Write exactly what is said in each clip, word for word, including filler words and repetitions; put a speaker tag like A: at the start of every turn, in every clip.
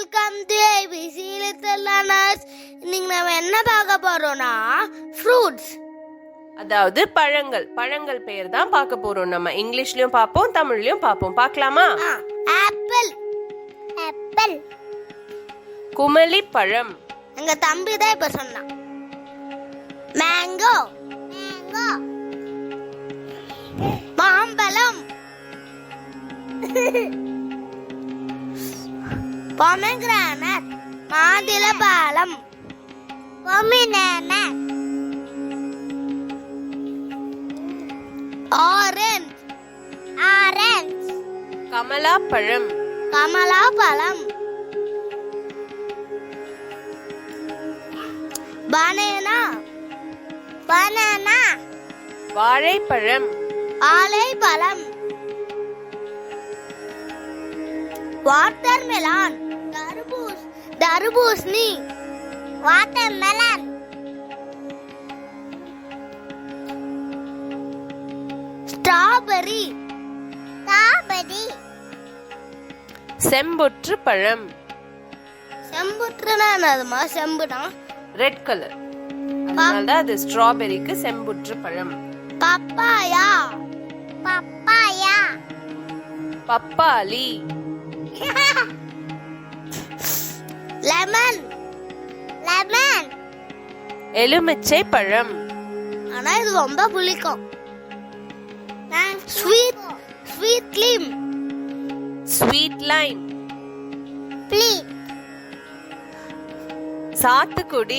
A: Welcome to ABC little learners. இன்னைக்கு நம்ம என்ன பார்க்க போறோம்னா ஃப்ரூட்ஸ்,
B: அதாவது பழங்கள். பழங்கள் பெயர் தான் பார்க்க போறோம். நம்ம இங்கிலீஷ்லயும் பார்ப்போம், தமிழ்லயும் பார்ப்போம். பார்க்கலாமா?
A: ஆப்பிள் ஆப்பிள்
B: குமலி பழம்.
A: எங்க தம்பி தான் இப்ப சொன்னான். மேங்கோ மேங்கோ மாம்பழம் பொமேகிரானட் மாதுளம்பழம் பொமினேனட் ஆரஞ்சு ஆரஞ்சு
B: கமலா பழம்
A: கமலா பழம் பனானா பனானா
B: வாழைப்பழம்
A: வாழைப்பழம் வாட்டர்மெலன் தர்பூஸ் தர்பூசணி வாட்டர்மெலன் ஸ்ட்ராபெரி ஸ்ட்ராபெரி
B: செம்புற்று பழம்.
A: செம்புற்றுனா என்னதுமா? செம்புனா
B: ரெட் கலர், அதனாலதான் அது ஸ்ட்ராபெரிக்கு செம்புற்று பழம்.
A: பப்பாயா பப்பாயா
B: பப்பாளி
A: லெமன் லெமன்
B: எலுமிச்சை பழம்.
A: ஆனா இது ரொம்ப புளிக்கும். Sweet sweet lime
B: sweet lime
A: ப்ளீ
B: சாத்துக்குடி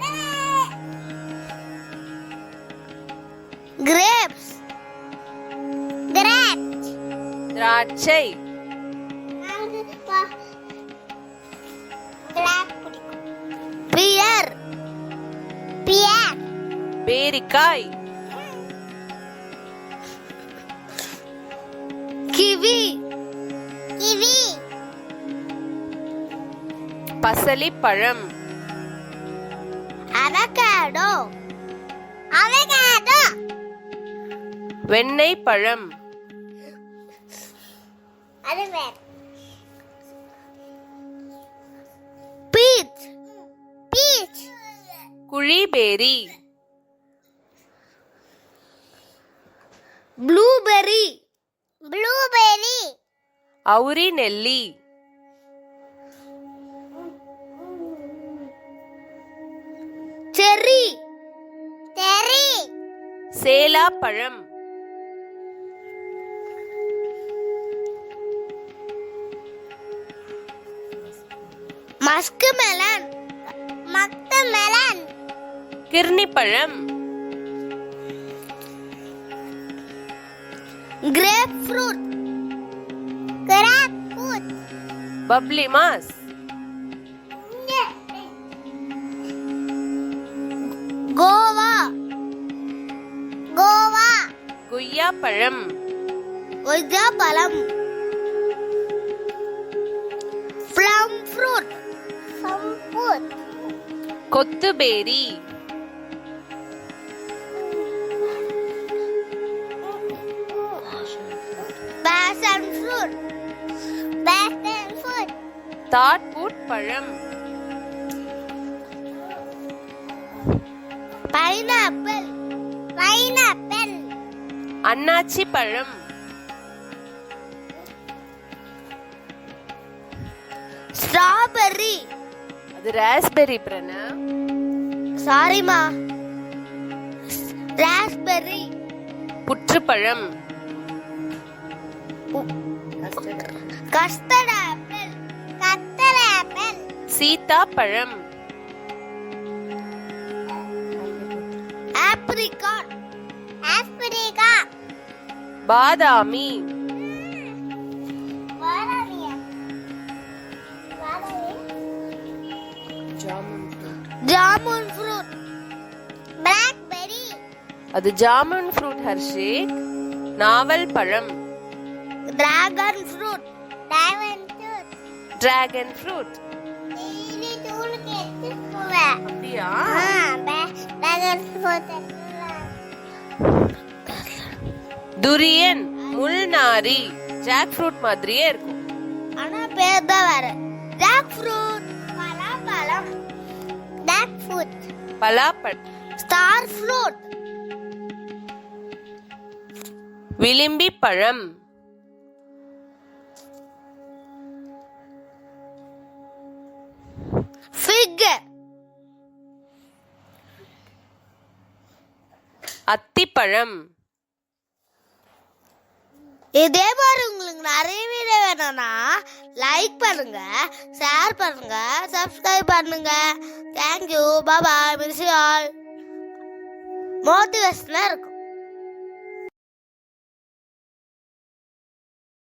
A: கிரேப்ஸ் கிரேப்ஸ்
B: திராட்சை
A: பியர் பியர்
B: பேரிக்காய்
A: கிவி கிவி
B: பசலி பழம்
A: அவகேடோ அவகேடோ
B: வெண்ணெய் பழம்
A: அது வேற பீச் பீச்
B: குழிபேரி
A: ப்ளூபெர்ரி ப்ளூபெர்ரி
B: அவுரி நெல்லி
A: செர்ரி செர்ரி
B: சேலா பழம்
A: மஸ்க் மெலன் மஸ்க் மெலன்
B: கிர்னி பழம்
A: கிரேப் ஃப்ரூட் கிரேப் ஃப்ரூட்
B: பப்ளி மாஸ்
A: கோவா கோவா
B: குய்யா பழம்
A: கொய்யா பழம் ப்ளம் ஃப்ரூட் ப்ளம் ஃப்ரூட்
B: கொத்துபேரி
A: பேஷன் ஃப்ரூட் பேஷன் ஃப்ரூட்
B: தாட்பூட் பழம்
A: பைனாப்பிள் பைனாப்பிள்
B: அன்னாச்சி பழம்
A: ஸ்ட்ராபெர்ரி
B: அது ராஸ்பெரி பிரண
A: சாரிமா ராஸ்பெர்ரி
B: புற்றுப்பழம்
A: கஸ்டர்ட் ஆப்பிள் கஸ்டர்ட் ஆப்பிள்
B: சீதா பழம்
A: ஆப்ரிகாட் ஆப்ரிகாட்
B: பாதாமி
A: பாதாமியா ஜாமுன் ஃப்ரூட் பிளாக்பெர்ரி
B: அது ஜாமுன் ஃப்ரூட் ஹர்ஷேக். நாவல் பழம்
A: dragon fruit dragon fruit
B: dragon fruit.
A: Daily தூளுக்கு எடுத்துக்குவேன்.
B: அப்படியா?
A: டிராகன் ஃப்ரூட்
B: துரியன் முள்நாரி ஜாக் ஃப்ரூட் மாதிரியே இருக்கும்.
A: ஆனா பேர் தான் வேற. ஜாக் ஃப்ரூட் பலாப்பழம் ஜாக் ஃப்ரூட்
B: பலாப்பழம்.
A: ஸ்டார் ஃப்ரூட்
B: விளிம்பி பழம்.
A: ஃபிக்
B: அத்திப்பழம்.
A: இதே மாதிரி உங்களுக்கு நிறைய வீடியோ வேணும்னா லைக் பண்ணுங்க, ஷேர் பண்ணுங்க, சப்ஸ்கிரைப் பண்ணுங்க. Thank you, bye, miss all. மோட்டிவேஷனா இருக்கும்.